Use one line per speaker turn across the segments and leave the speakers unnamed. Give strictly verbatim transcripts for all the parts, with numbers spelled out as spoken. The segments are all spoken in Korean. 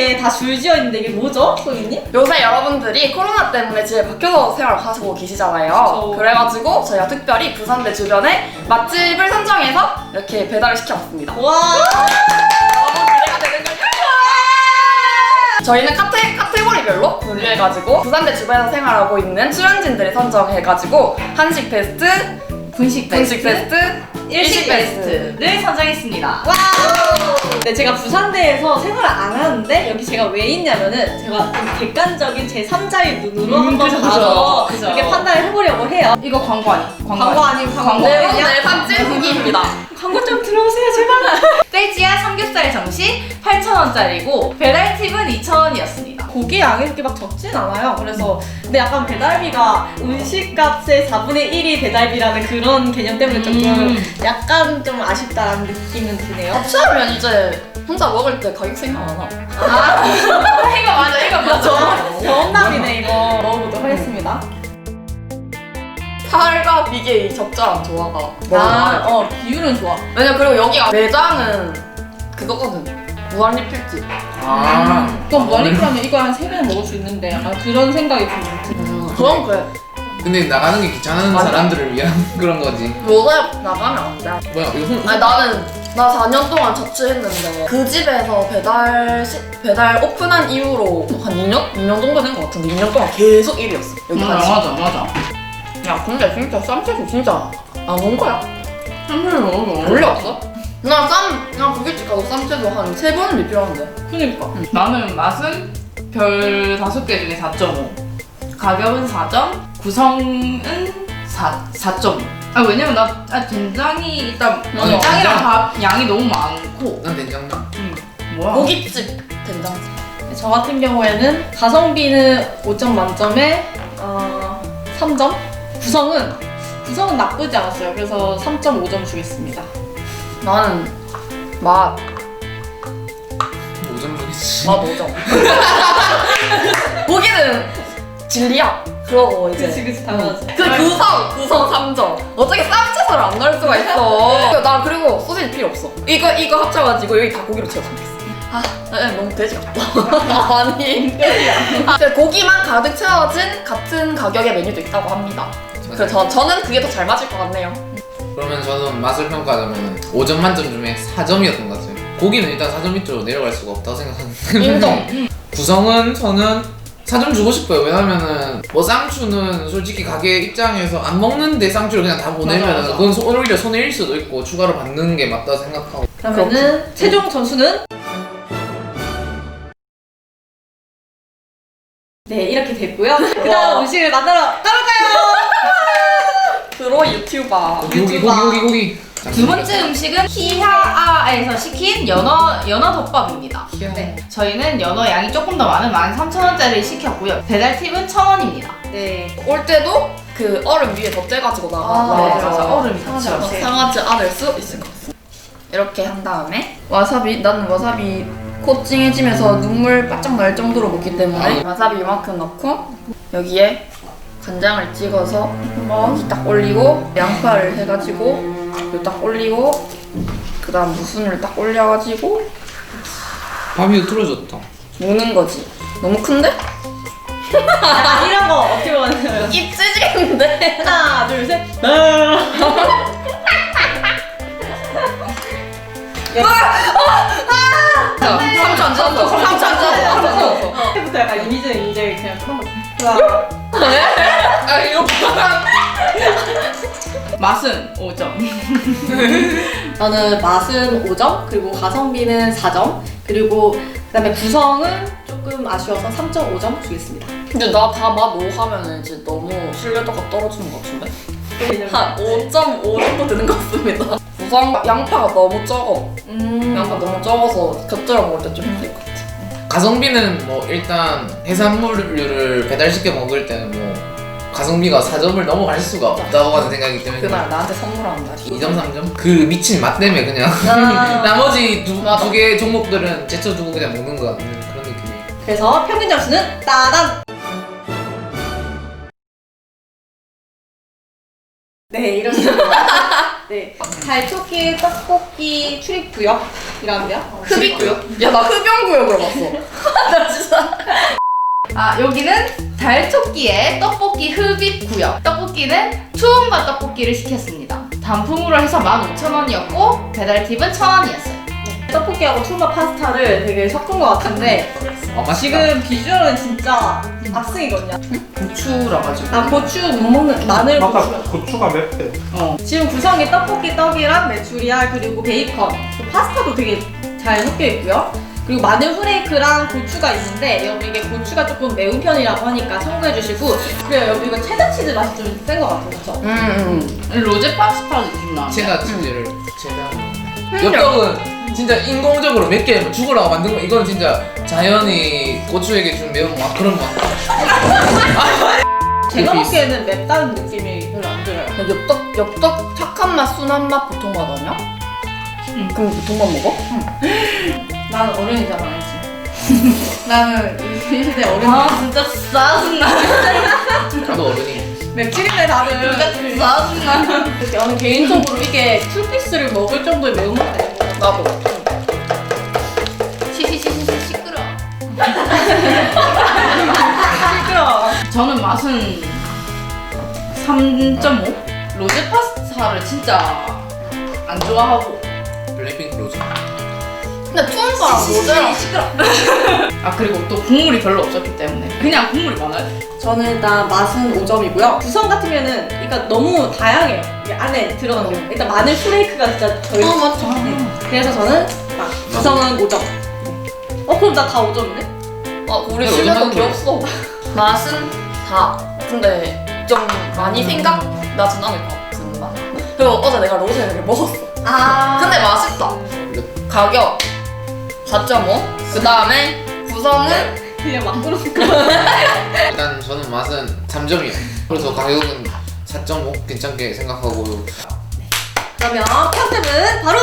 이렇게 다 줄지어 있는데 이게 뭐죠, 소희님?
요새 여러분들이 코로나 때문에 집에 박혀서 생활하시고 계시잖아요.
그쵸.
그래가지고 저희가 특별히 부산대 주변에 맛집을 선정해서 이렇게 배달을 시켜봤습니다.
와.
너무 기대가 되는걸요? 저희는 카테, 카테고리별로 분류해가지고 부산대 주변에서 생활하고 있는 출연진들을 선정해가지고 한식 베스트,
분식
분식 베스트,
일식 베스트를 선정했습니다. 와! 네, 제가 부산대에서 생활을 안 하는데 여기 제가 왜 있냐면은 제가 좀 객관적인 제삼자의 눈으로
음,
한번
그죠,
봐서
그죠.
이렇게 판단을 해보려고 해요.
이거 광고 아니?
광고 아니고 광고
네
아니야?
번째 판찌 후기입니다.
광고 좀 들어오세요, 제발.
떼지야 삼겹살 정식 팔천 원짜리고 배달 팁은 이천 원이었습니다.
고기 양이 그렇게 막 적진 않아요. 그래서 근데 약간 배달비가 음식값의 사분의 일이 배달비라는 그런 개념 때문에 조금
음.
약간 좀 아쉽다라는 느낌은 드네요.
합치하면 이제 혼자 먹을 때 가격 생각 안 하고.
아 이거 맞아 이거 맞아.
경험남이네 이거. 먹어보도록 하겠습니다.
살과 비계 이 적절한 조화가 너무
아,
좋아요.
어 비율은 좋아.
왜냐 그리고 여기가 매장은 그거거든. 무한 리필집.
아.
그럼 무한리필하면 이거 한 세 배는 먹을 수 있는데 약간 그런 생각이 좀 드네.
음, 그럼 그래.
근데 나가는 게 귀찮은
맞아.
사람들을 위한 그런 거지.
요새 나가면 안 돼.
뭐야 이거 손.
아니 나는 나 사 년 동안 자취했는데 그 집에서 배달 시, 배달 오픈한 이후로 한 이 년? 이 년 정도 된 것 같은데 이 년 동안 계속 일이었어. 여기
음,
한식.
맞아 맞아.
야 근데 진짜 쌈채소 진짜 안 온 거야?
삼겹살 먹어.
원래 없어? 나 쌈, 나 고깃집 가서 쌈채소 한 세 번은 리필하는데.
그니까.
나는 맛은 별 다섯 개 중에 사 점 오. 가격은 사 점, 구성은 사, 사 점 오. 아 왜냐면 나 아, 된장이 일단
맞아,
짱이랑
된장.
밥 양이 너무 많고.
난 된장.
음, 뭐야?
고깃집 된장집.
저 같은 경우에는 가성비는 오 점 만점에 어, 삼 점. 구성은 구성은 나쁘지 않았어요. 그래서 삼 점 오 점 주겠습니다.
나는 맛,
오점 주겠지.
맛 오 점. 고기는 진리야. 그러고 이제
그치 당연하지.
그 구성, 구성 삼 점. 어떻게 쌈채소를 안 넣을 수가 있어. 나 그리고 소시지 필요 없어. 이거 이거 합쳐가지고 여기 다 고기로 채워주겠어. 아, 네, 너무 돼지 같다. 아니, 아, 고기만 가득 채워진 같은 가격의 메뉴도 있다고 합니다. 그래서 저, 저는 그게 더 잘 맞을 것 같네요.
그러면 저는 맛을 평가하자면 오 점 만점 중에 사 점이었던 것 같아요. 고기는 일단 사 점 밑으로 내려갈 수가 없다고 생각하는데
인정.
구성은 저는 사 점 주고 싶어요. 왜냐면은 뭐 쌍추는 솔직히 가게 입장에서 안 먹는데 쌍추를 그냥 다 보내면
맞아, 맞아.
그건 소- 오히려 손해일 수도 있고 추가로 받는 게 맞다고 생각하고.
그러면은 최종 점수는 네 이렇게 됐고요. 그다음 음식을 만들어 가볼까요?
프로 유튜버.
고기 고기 고기 고기 고기.
두 번째 음식은 히하아에서 시킨 연어 연어 덮밥입니다.
네.
저희는 연어 양이 조금 더 많은 만 삼천 원짜리 시켰고요. 배달 팁은 천 원입니다.
네.
올 때도 그 얼음 위에 덧대가지고 나가.
아,
네,
나와서
맞아. 얼음이
상하지
같이
않게.
상하지 않을 수 있을 것 같습니다. 이렇게 한 다음에 와사비, 나는 와사비 코팅해지면서 눈물 바짝 날 정도로 먹기 때문에 와사비 이만큼 넣고 여기에 간장을 찍어서 여기 딱 올리고 양파를 해가지고 여기 딱 올리고 그 다음 무순을 딱 올려가지고
밥이 틀어졌다.
무는 거지. 너무 큰데?
아, 이런 거 어떻게 보면
입 찢기는데?
하나 둘 셋.
자, 삼초 안 지났어. 삼초 안 지났어. 삼초 안 지났어.
부터 약간 이미지 이제 그냥 그런 거.
아, 이거
맛은 오 점.
저는 맛은 오 점, 그리고 가성비는 사 점, 그리고 그다음에 구성은 조금 아쉬워서 삼 점 오 점 주겠습니다.
근데 나 다 맛 오 하면은 이제 너무 신뢰도가 떨어지는 것 같은데? 한 오 점 오 정도 되는 것 같습니다. 구성 양파가 너무 적어.
음.
양파 너무 적어서 곁들여 먹을 때 좀 힘들 것 같아.
가성비는 뭐 일단 해산물류를 배달시켜 먹을 때는 뭐 가성비가 사 점을 넘어갈 수가 없다고 하는 생각이기 때문에
그날 나한테 선물하는 날이.
이 점 삼 점? 그 미친 맛 때문에 그냥
아.
나머지 두
맞아.
개 종목들은 제쳐두고 그냥 먹는 것 같은 그런 느낌이에요.
그래서 평균 점수는 따단. 네 이렇습니다. 네 갈초길 떡볶이 출입구역 흡입이란데요?
흡입구역? 야 나 흡연구역으로 봤어. 나 진짜.
아 여기는 달토끼의 떡볶이 흡입 구역. 떡볶이는 투움바 떡볶이를 시켰습니다. 단품으로 해서 만 오천 원이었고 배달 팁은 천 원이었어요.
떡볶이하고 투마 파스타를 되게 섞은 것 같은데
아, 맛있다.
지금 비주얼은 진짜 압승이거든요.
고추라 가지고.
나 고추 못 먹는 마늘
아까
고추.
고추가 맵대.
어.
지금 구성이 떡볶이 떡이랑 메추리알 그리고 베이컨, 그 파스타도 되게 잘 섞여 있고요. 그리고 마늘 후레이크랑 고추가 있는데 여기 이게 고추가 조금 매운 편이라고 하니까 참고해 주시고 그리고 여기 이거 체다 치즈 맛이 좀 센 것 같아요, 그렇죠?
음.
로제 파스타 느낌 나.
체다 치즈를 체다. 엽떡은 진짜 인공적으로 몇 개 죽으라고 만든 거. 이건 진짜 자연이 고추에게 준 매운 맛 그런 맛.
제가
비스.
먹기에는 맵다는 느낌이 별로 안 들어요.
야, 엽떡 엽떡 착한 맛, 순한 맛, 보통 맛 아니야?
응.
그럼 보통 맛 먹어?
나는 어른이잖아, 알지? 나는 이 시대 어른.
아 진짜 짜증나.
나도 어른이.
맵찔인데 다들.
진짜 짜증나.
저는 개인적으로 이게 풀피스를 먹을 정도의 매운맛 아닌 것 같아요.
나도.
시시시시 시끄러.
시끄러워.
저는 맛은 삼 점 오? 로제 파스타를 진짜 안 좋아하고.
블랙핑크 로즈.
근데 투움바랑 로제랑
아 그리고 또 국물이 별로 없었기 때문에 그냥 국물이 많아요.
저는 일단 맛은 오 점이고요. 구성 같으면은 그러니까 너무 다양해요. 이게 안에 들어가는 게. 일단 마늘 프레이크가 진짜 저희.
어 맞죠.
그래서 저는 막 구성은 오 점. 어 그럼 나 다 오 점이네?
아 우리
근데
집에서
얼마나
귀엽어. 맛은 사. 근데 좀 많이 생각나진 않을 것 같은 맛. 그리고 어제 내가 로제를 먹었어.
아.
근데 맛있다. 가격 사 점 오. 그 다음에 구성은
그냥 막 부르는 거.
일단 저는 맛은 삼 점이요. 그래서 가격은 사 점 오 괜찮게 생각하고.
그러면 컨셉은 바로.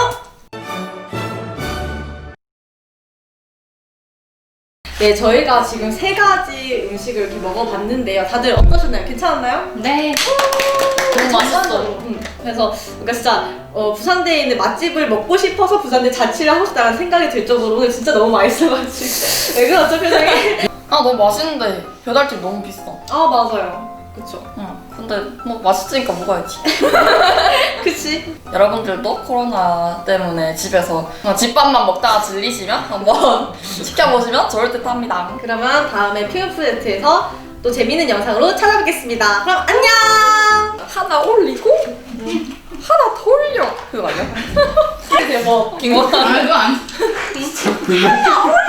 네, 저희가 지금 세 가지 음식을 이렇게 먹어봤는데요. 다들 어떠셨나요? 괜찮았나요?
네.
너무 맛있어.
음, 그래서 그러니까 진짜 어, 부산대에 있는 맛집을 먹고 싶어서 부산대 자취를 하고 싶다는 생각이 들 정도로 오늘 진짜 너무 맛있어가지고. 왜 그렇죠, 표정이?
아 너무 맛있는데 배달팁 너무 비싸.
아, 맞아요. 그쵸.
응. 근데 뭐 맛있으니까 먹어야지.
그치?
여러분들도 코로나 때문에 집에서 그냥 집밥만 먹다가 질리시면 한번 시켜보시면 좋을 듯 합니다.
그러면 다음에 퓨어프레트에서 또 재밌는 영상으로 찾아뵙겠습니다. 그럼 안녕!
하나 올리고 하나 더 올려. 그거 아니야?
대박.
긴 거.
아 이거 안.
하나 올려!